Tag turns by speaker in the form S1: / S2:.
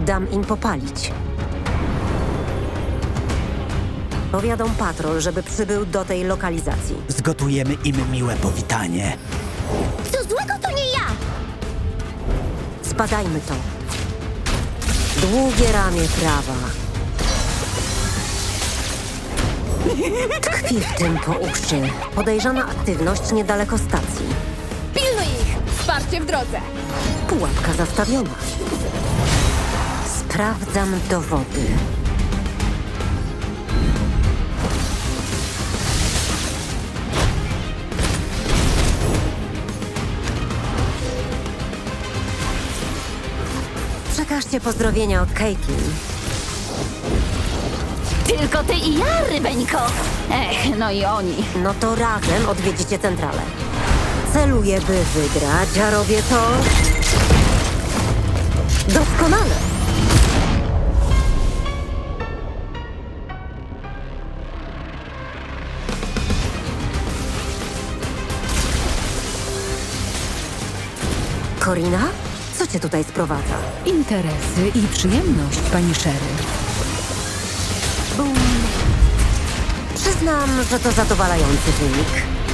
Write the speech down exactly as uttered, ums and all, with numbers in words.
S1: Dam im popalić. Powiadom patrol, żeby przybył do tej lokalizacji.
S2: Zgotujemy im miłe powitanie.
S3: Co złego to nie ja!
S1: Zbadajmy to. Długie ramię prawa. Tkwi w tym po uszy. Podejrzana aktywność niedaleko stacji.
S4: Pilnuj ich! Wsparcie w drodze!
S1: Pułapka zastawiona. Sprawdzam dowody. Przekażcie pozdrowienia od Caitlin.
S3: Tylko ty i ja, rybeńko! Ech, no i oni.
S1: No to razem odwiedzicie centralę. Celuję, by wygrać, a robię to... doskonale. Corina? Co cię tutaj sprowadza?
S5: Interesy i przyjemność, pani Sherry.
S1: Bum. Przyznam, że to zadowalający wynik.